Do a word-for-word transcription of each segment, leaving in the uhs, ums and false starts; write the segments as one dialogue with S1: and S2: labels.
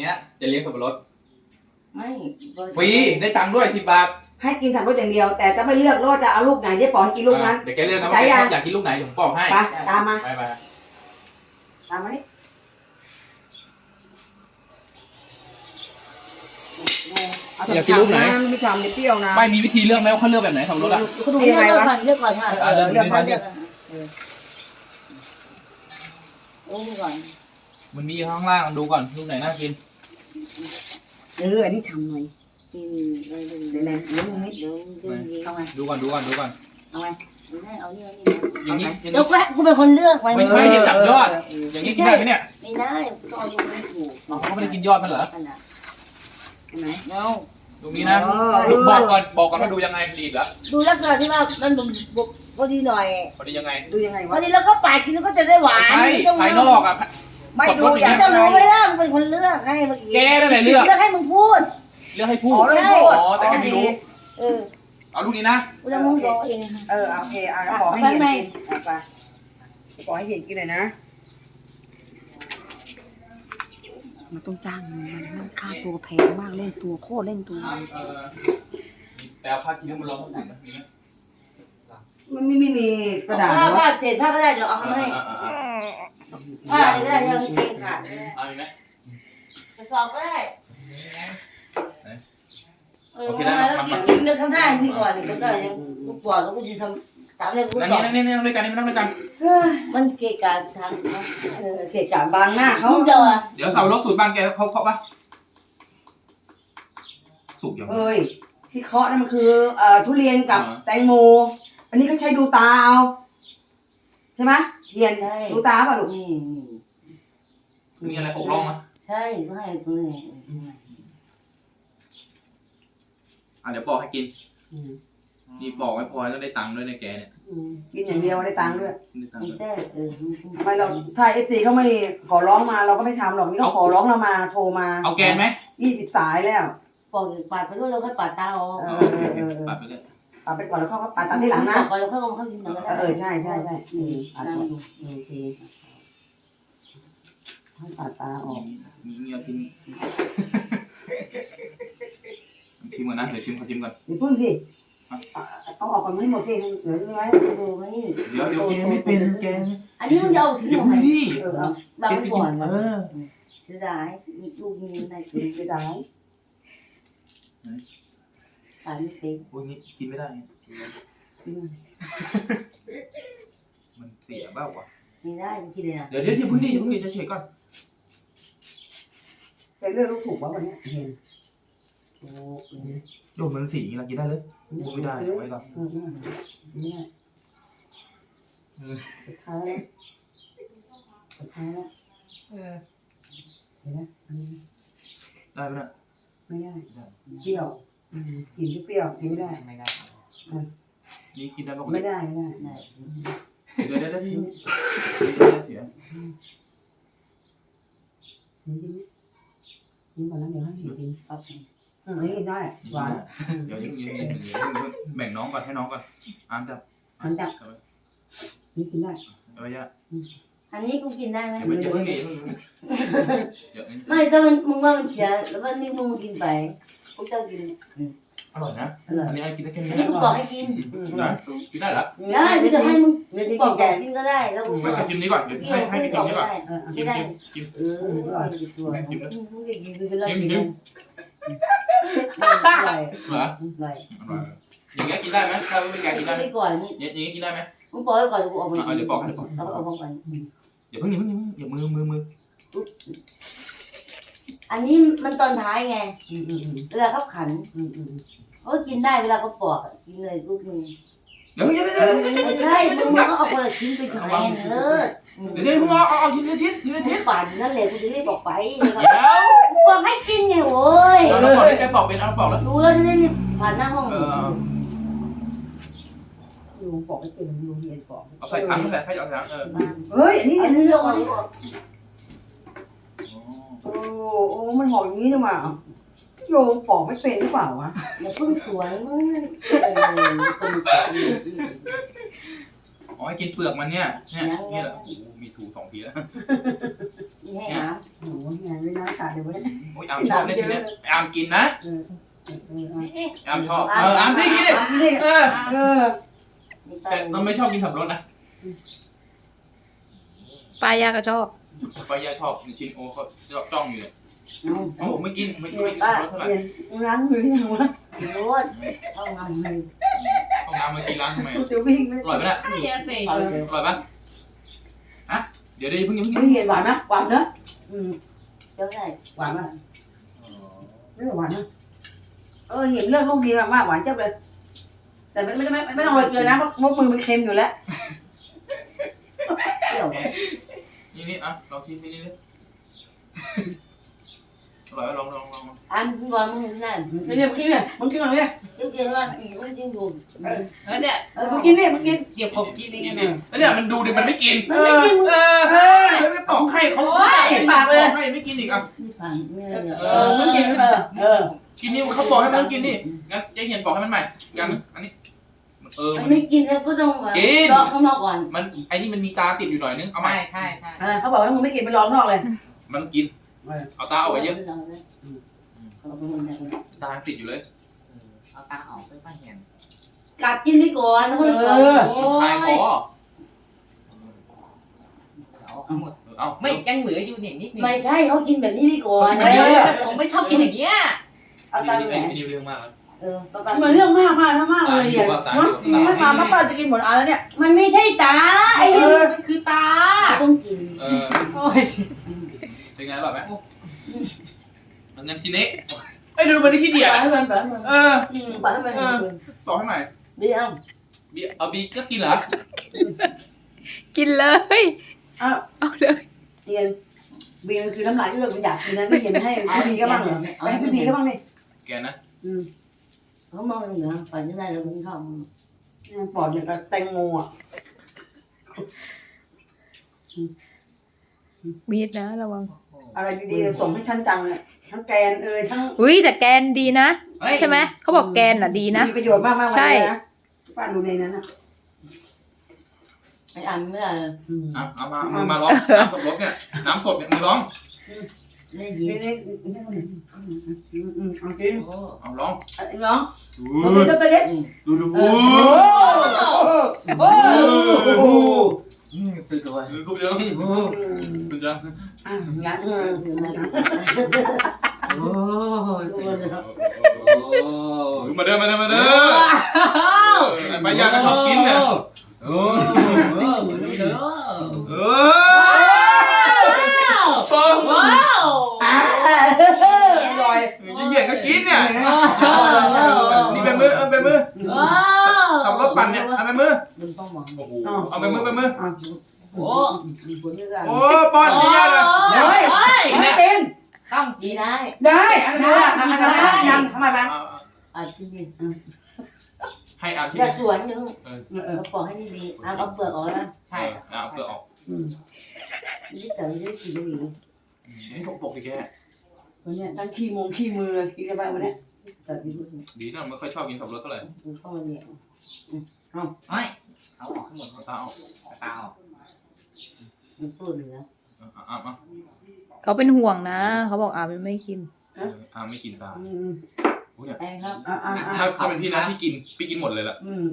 S1: เนี้ยจะเลี้ยงสับปะรด
S2: ไม่
S1: ฟรีได้ตังค์ด้วยสิบบาท
S3: ให้กินสับปะรดอย่างเดียวแต่จะไม่เลือกว่าจะเอาลูกไหนเจ๊ปอให้กินลูกนั้น
S1: เดี๋ยวแกเลือกนะว่าอยากกินลูกไหนผมบอกให้
S3: ไปตามมา
S1: ไปไป
S3: ตามมานี่
S1: อยากกินลูกไหน
S3: ไม่ทำไม่เปรี้ยวนะ
S1: ไม่มีวิธีเลือกไหมว่าเขาเลือกแบบไหนสับปะรดอ่ะ
S3: เขาดูยังไงวะ
S2: เลือกก่อนค่ะ
S1: เลือกเลือกก่อน
S2: โอ้ก่อน
S1: มันมีข้างล่างดูก่อนลูกไหนน่ากิน
S3: เอออันนี้ฉ่ำหน่อย
S2: กินเลย
S3: เดี๋ยวไหนเดี๋ยวมึงนิด
S2: เดี๋ยวเดี๋ยวเอาไง
S1: ดูก่อนดูก่อนดูก่อน
S3: เอาไง
S2: เอานี่เอานี่
S1: อย่างนี้
S2: เดี๋ยวกูเป็นคนเลือกไว้
S1: ไม่ใช่เห็นจับยอดอย่างนี้กินได้ไหมเนี่ย
S2: ไม่ได้ต้องเอาดูไม่ถูก
S1: เขาไม่ได้กินยอดมันเหรอ
S3: ไหน
S2: เนา
S1: ตรงนี้นะบอกก่อนบอกก่อนว่าดูยังไงดีเหรอ
S2: ดูลักษณะที่ว่ามันพอดีหน่อย
S1: พอดียังไง
S3: ดูยังไงวะ
S2: พอดีแล้วก็ปาดกินแล้วก็จะได้หวาน
S1: ใช่ภายนอกอ่ะ
S3: ไม่ดูอย่าง
S2: จะรู้ไหมล่ะมึงเป็นคนเลือกให้เมื่อกี้
S1: แกนั่นแหละเลือก
S2: เลือกให้มึงพูด
S1: เลือกให้พูดอ๋อแต่แกไม่รู้
S2: เออ
S1: เอาลูกนี้นะ
S2: กูจะมึงบอกเอง
S3: เออโอเคอ่ะขอให้เห็นกินไปขอให้เห็นกินหน่อยนะมันต้องจ้างเงินมันมันค่าตัวแพงมากเล่นตัวโคตรเล่นตัว
S1: แต่เอาผ้าคีริ้วมันร้อนเท่าไหร่มีไหม
S3: มันไม่ไม่มีกระดาษ
S2: ผ้าผ้าเศษผ้าก็ได้เดี๋ยวเอาให้ผ้าอะไรก็ได้ที่เราเก่งขาด
S1: เอาอีกไหม
S2: กระสอบก็ได้เออมาแล้วกินกินเรื่องข้างหน้าพี่ก่อนก็ได้ยังกูปวดแล้วกูจะทำตามเลยกู
S1: ต่อนี่นี่นี่นั่งด้วยกันนี่นั่งด้วยกัน
S2: มันเกะกะทาง
S3: เออเกะกะบางหน้าเขา
S2: เดี๋ยว
S1: เดี๋ยวเสารถสูตรบางแกเขาเคาะปะสุกยัง
S3: เอ้ยที่เคาะนั่นมันคือเอ่อทุเรียนกับแตงโมอันนี้เขาใช้ดูตาเอาใช่ไหมเรียนดูตาป่ะลูก
S2: นี่
S1: มีอะไรอกร่องอ่ะ
S2: ใช่ก็ให้ตัวนี้
S1: อ่ะเดี๋ยวบอกให้กินนี่บอกไม่พอต้องได้ตังค์ด้วยในแกเนี่ย
S3: กินอย่างเดียวได้ตังค์ด้วย
S2: ไม่ใช่เออ
S3: ทำไมเราถ้าเอฟซีเขาไม่ขอร้องมาเราก็ไม่ทำหรอกนี่เขาขอร้องเรามาโทรมา
S1: เอาแกนไหม
S3: ยี่สิบสายแล้ว
S2: บอกปาดไปด้วยเราค่อยปาดตาออก
S1: ปาดไปเลย
S3: ปาดไปก่อนแล้วเขาก็ปาดตาที่หลังนะ
S2: ก่อนแล้วค่อยเอาเข้ากินหนังก็ได้
S3: เออใช่ใช่ใช่ปาดก่อนโอเคให้ปาดตาออก
S1: มีเงี้ยกินชิมก่อนนะเดี๋ยวชิมขอชิมก่อน
S3: เดี๋ยวพึ่งสิเอาออกก่อนไม่หมดสิเหลือไว้
S2: ดูไหม
S1: เดี๋ยวเดี๋ยวแกไม่เป็นแก
S2: อันนี้มันจะเอาทิ้ง
S1: ทำไม
S2: เออเอาบางก่อนเออเสียดายลูกนี้ได้กิน
S3: เสียดาย
S2: ขายไม่เป็น
S1: โอ้ยนี่กินไม่ได้มันเสียบ้าวะ
S2: ไม่ได้กินเลยนะ
S1: เดี๋ยวเดี๋ยวที่พึ่งดิพึ่งดิจะเฉยก่อน
S3: เป็นเรื่องลูกถูกวะวันนี้โอ้
S1: โดนมันสีอย่างนี้เรากินได้เลยไม่ได้ไว้ก่อน
S3: นี่สุดท้ายแล้วสุดท้ายแล้วเห็นไหม
S1: ได้ไหม
S3: ไม่ได้เปรี้ยวกินเปรี้ยวกินไม่ได้
S1: ไม่ได้นี่กินได้
S3: ไม่ได้ไม่ได้
S1: เดี๋ยวเดี๋ยวเดี๋ยวที่เสีย
S3: กินกินกินก่อนแล้วเดี๋ยวให้กินครับอืมกินได้หวาน
S1: เดี๋ยวยังยังยังแบ่งน้องก่อนให้น้องก่อนอ่านจับ
S3: อ่านจับนี่กินได้
S1: เอาไว้ยะ
S2: อันนี้กูกินได้ไหม
S1: เดี๋ยวเพิ่งดี
S2: ไม่ถ้ามันมึงว่ามันเสียแล้ววันนี้มึงกินไปกูจะกิน
S1: อร่อยนะอันนี้ให้กินได้แค่นี้
S2: อันนี้กูบอกให้กิน
S1: ได้กินได้เหรอ
S2: ได้กูจะให้มึงบอกแกกินก็ได้แล้วกู
S1: ไม่กินนี้ก่อนเดี๋ยวให้ให้กินนี้ก่อน
S2: กินได้
S1: กิน
S2: เออกินตัวกินมึงจะกินไปเลย
S1: กินกิน
S2: อร่อย
S1: เหรอ
S2: อร่อย
S1: อย่างเงี้ยกินได้ไหมถ้าไม่แกกินได้ไหม
S2: ก่อน
S1: นี่อย่างเงี้ยกินได้ไหม
S2: มึงปล่อยก่อนกูเอาไป
S1: เดี๋ยวปอกเดี๋ยวปอก
S2: เอาเอาก่อน
S1: อย่าเพิ่งอย่าเพิ่งอย่ามือมือมือ
S2: อันนี้มันตอนท้ายไงเวลาเขาขันเขากินได้เวลาเขาปอกกินเลยลูกนึง
S1: เดี๋ยวอย่า
S2: ไม่ใช่มึงก็เอาคนละชิ้นไปแทนเลิศ
S1: เดี๋ยวเดี๋ยวมึงเอาเอากินทีกินที
S2: ป่านนั่นแหละกูจะรีบบอกไปบอกให้กินไงโว้ย
S1: เราปอกได้แกปอกเป็นเอาปอกแล้ว
S2: รู้แล้วจะได้รีบผ่านหน้าห้อง
S3: ลุงปอกไม่เป็นลุงเรียนปอก
S1: เอาใส่ถังใส่ให้เอาถังเออ
S3: เฮ้ยอันนี้
S2: อันนี้เรื่องอะไร
S3: โอ้โอ้มันหอมอย่างนี้นะมาโยงปอกไม่เป็นหรือเปล่าวะ
S2: อย่าเพิ่งสวยมึง
S1: อ๋อให้กินเปลือกมันเนี่ยเนี่ยนี่แหละมีถูสองทีแล้ว
S2: นี่ให้อา
S3: โอ้โหงานไม่น้อยขาดเลยวะเนี่ย
S1: โอ้ยอามชอบเนี่ยทีเนี้ยอามกินนะ
S3: เออเออเออเออ
S1: อามชอบเอออามที่กินดิ
S3: เอากินดิ
S1: เออ
S3: เออ
S1: แต่มันไม่ชอบกินสับปะรดนะ
S4: ป้ายาก็ชอบ
S1: ป้ายาชอบชินโอเขาจ้องอยู่เลย
S3: เอา
S1: โอ้ไม่กินไม่กิน
S3: เรี
S1: ไม่
S3: ยน
S1: กิน
S3: ป้า
S1: สับปะรดเท่าไหร่
S3: เรียนล้างมือหรือยังวะ
S2: รถเอางานมือ
S1: ห้องน้ำเมื่อกี้ล้างทำไม
S3: กูจะวิ่งไม่
S1: อร่อยไหมเนี่ย
S4: ไอ้ยาเสก
S2: เอาเดี๋ยว
S1: อร่อยปะฮะเดี๋ยวเดี๋ยวเพิ่งยัง
S3: ไม่
S1: เพิ่ง
S3: เห็นหวานนะหวานเนอะอืม
S2: เจ้าได้
S3: หวานมากไม่หวานนะเออเห็นเลือกลูกดีมากมากหวานเจ้าเลย แต่ไม่ไม่ไม่ไม่ต้องโรยเกลือนะเพราะมกมือมันเค็มอยู่แล้ว
S2: เปรี้ยว
S1: นี่นี่อ่ะลองชิมนี่นี่อร่อยไหมลองลองลอง
S2: อันก่อนมึงเห็นนั่น
S3: นี่เนี่ยมึงกินเนี่ยมึงกินอะไรเนี่ย
S2: เจ้าเกี่ยวว่าอีกคนจริงอยู่
S4: แล้วเนี่ย
S3: เออมึงกินดิมึงกิน
S4: เดี๋ยวผมกินเอง
S1: นี่
S4: ไง
S1: นี่แล้วเนี่ยมันดูดิมันไม่กิน
S2: มันไม่กินมึง
S1: เออเออไม่ปอกให้เขาเห็นปากเลยให้ไม่กินอีกอ่ะ
S2: นี่ผ่านไม่ได้เนี่ย
S3: เออมึงกินเออเออ
S1: กินนี่เขาบอกให้มันกินนี่งั้นยายเหียนบอกให้มันใหม่ยังอันนี้เออ
S2: มัน
S1: มัน
S2: ไม่กินแล้วก็ต้องรอข้างนอกก่อน
S1: มันไอ้นี่มันมีตาติดอยู่หน่อยนึงเอาใหม่
S4: ใช่ใช่ใช่
S3: เออเขาบอกว่ามึงไม่กินไปลองนอกเลย
S1: มันกินเอาตาเอาไว้เยอะ
S2: เอาไปหมดเลย
S1: ตาติดอยู่เลย
S4: เอาตาออกไปป้าเห็น
S2: กัดกินไปก่อนแล้วค่อยก่อน
S1: คลายคอ
S4: เอาเอาหมด
S1: เอา
S4: ไม่ยังเหลืออยู่เนี่ยนิดนึง
S2: ไม่ใช่เขากินแบบนี้ไปก่อน
S4: เออผมไม่ชอบกินอย่างเงี้ย
S2: เอาตา
S1: นี่
S2: แหว
S1: เป็น
S2: น
S1: นี่เรื่องมากแล้ว
S2: เออป้า
S3: เหมือนเรื่องมากมากมากเลยเนี่ยถ้ามาป้าป้าจะกินหมดอันแล้วเนี่ย
S2: มันไม่ใช่ตาไอ้
S3: เอ
S2: นี่
S3: อ
S4: มันคือตา
S2: ต้องกิน
S1: เออ
S4: โอ้ย
S1: เป็นไงอร่อยไหมงั้นทีนี้ไอ้ดูมันที่เดีย
S2: ป
S1: ด
S2: ล่อยให้มันปล่อยให้มัน
S1: เออ
S2: ปล่อยให้มัน
S1: บอกให้ใหม่
S2: ดีเอา
S1: บีเอาบีก็กินเหรอ
S4: กินเลย
S3: อ้าว
S4: เอาเลย
S3: เรียนเบียร์คือน้ำลายเอื้อกมันอยากกินนะไม่เห็นให้พี่บีก็บ้างเหรอไปให้พี่บีก็บ้างเลย
S1: แกนะ
S3: อืม
S2: เขามองเหนือไปไม่ได้แล้วมึงเข้า
S3: ปอดเนี่ยกับแตงโมอ่ะ
S4: มีดนะระวัง
S3: อะไรดีๆส่งให้ฉันจังเลยทั้งแกนเอ่ยทั้ง
S4: อุ้ยแต่แกนดีนะใช่ไหมเขาบอกแกนน่ะดีนะ
S3: มีประโยชน์มากมากวันนี้นะป้าดูในนั้นนะ
S2: ไอ้อันไม่ได้
S1: อ่ะเอามามือมาร้องน้ำสดรสเนี่ยน้ำสดเนี่ยมือร้อง
S2: ได้ยิน
S3: นี่นี่นี่อืมอืมเอากิน
S4: โอ้
S1: เอาร้อง
S3: ไอ้น้องตัวเด็ดตัวเด็ด
S1: ดูดู
S3: โอ้โหโอ้โห
S4: ซื้อตัว
S1: ดูกูเยอะคุณจ๊ะ
S3: งั้น
S4: โอ้ซื้อ
S1: มาเด้อมาเด้อมาเด้อไปยาก็ชอบกินเนี่ยเออเออ
S4: ว้าว
S3: อร่อย
S1: ยี่เหี้ยก็กินเนี่ยนี่ไปมือเออไปมือ
S4: ว้าว
S1: ขับรถปั่นเนี่ยเอาไปมือ
S2: มึงต้องมอง
S1: โอ้โหเอาไปมือไปมือ
S4: โอ้
S2: คนนี้กัน
S1: โอ้ป้อนนี่เลย
S3: เฮ้ยไม่เป็น
S4: ต้องกิ
S2: กิ
S4: น
S2: นได้
S3: ได้อันนี้ทำทำทำทำทำไมบ้าง
S2: อ่ะกินดิ
S1: ให้อ่านที่
S2: อย่าสวนนึง
S3: เออเออ
S2: เราปอกให้ดีๆเอาเปลือกออกนะ
S4: ใช่
S1: เอาเปลือกออก
S3: อืม
S2: นี่แต่ไม่ได้กินไม่ดี
S1: ให้สกปรกสิแก
S3: วันนี้ตั้งขี้มงขี้มือกินกันไปวันนี้
S2: แต่ดี
S1: ดีนะไม่ค่อยชอบกินสับปะรดเท่าไหร่
S2: มึงต้องมาเนี่ย
S4: ไม่เอาออกให้หมด
S1: เอาตาออก
S4: ตาออก
S2: มึงพูดเหนือ
S1: อ่ะอ่ะอ่ะ
S4: เขาเป็นห่วงนะเขาบอกอาไม่กิน
S1: อ่ะไม่กินตา
S3: อืม
S2: ไอ้ครับ
S3: อ่าอ่าอ่า
S1: ถ้าถ้าเป็นพี่นะพี่กินพี่กินหมดเลยล่ะ
S3: อืม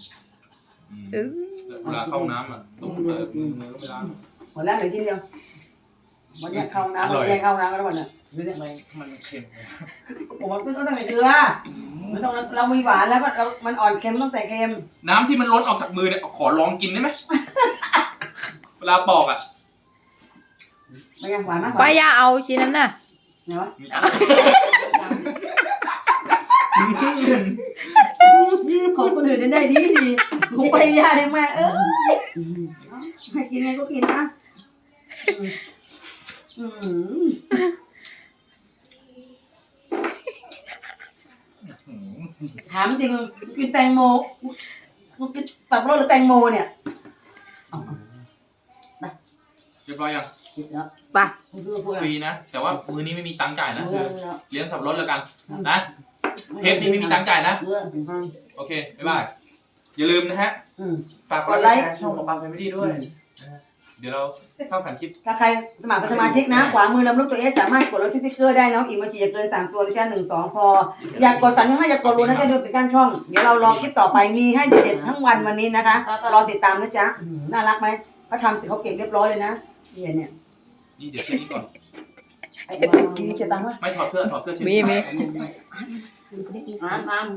S1: เวลาเข้าน้ำอ่ะต้องเปิดมือมือก็ไม่ล้าง
S3: หมดแล้วเหลือที่เดียววันนี้เข้าน้ำวันนี้เข้าน้ำแล้ววันนี้ดูเนี่ย
S1: ทำไมมันเค็ม
S3: ผมมันต้องตั้งแต่เกลือมันต้องเรามีหวานแล้วเรามันอ่อนเค็มตั้งแต่เค็ม
S1: น้ำที่มันล้นออกจากมือเนี่ยขอลองกินได้ไหมเวลาปอกอ่ะ
S3: ไม่ยังหวานมาก
S4: ป้ายาเอาชิ้นนั้นน่ะ
S3: เนาะของคนอื่นได้ดีดีของไปยาได้มาเออให้กินไงก็กินนะอืมถามจริงกินแตงโมมึงกินตับรสหรือแตงโมเนี่ย
S1: เรียบร้อยยัง
S2: กินแล้ว
S4: ไป
S2: มึงคือพูด
S1: ฟรีนะแต่ว่ามือนี้ไม่มีตังค์จ่ายนะ
S2: เมื่อแล้ว
S1: เลี้ยงสับปะรดแล้วกันนะเทปนี้ไม่มีตังค์จ่ายนะ
S2: เมื่อ
S1: โอเคบ๊ายบายอย่าลืมนะฮะ
S2: อืม
S1: ฝากกดไลค์ช่องของปังแฟมิลี่ด้วยเดี๋ยวเราสร้างสรรค์คลิป
S3: ถ้าใครสมัครเป็นสมาชิกนะ ขวามือลำลูกตัวเอสสามารถกดลดสติ๊กเกอร์ได้น้องอีโมจิจะเกินสามตัวนะจ๊ะหนึ่งสองพอ อยากกดสั่งให้อยากกดรู้นะจะดูเป็นการช่อง เดี๋ยวเรารอคลิปต่อไปมีให้เด็ดๆทั้งวันวันนี้นะคะ รอติดตามนะจ๊ะอื้อหือน่ารักไหมเขาทำเสร็จเขาเก็บเรียบร้อยเลยนะเนี่ยเนี่ย
S1: นี่เดี๋ยวเช็ดนี่ก่อน
S3: ไอ้กินเสียตังค์วะ
S1: ไม่ถอดเสื้อถอดเสื้อเช็ด
S4: มีมี
S2: อ่านอ่าน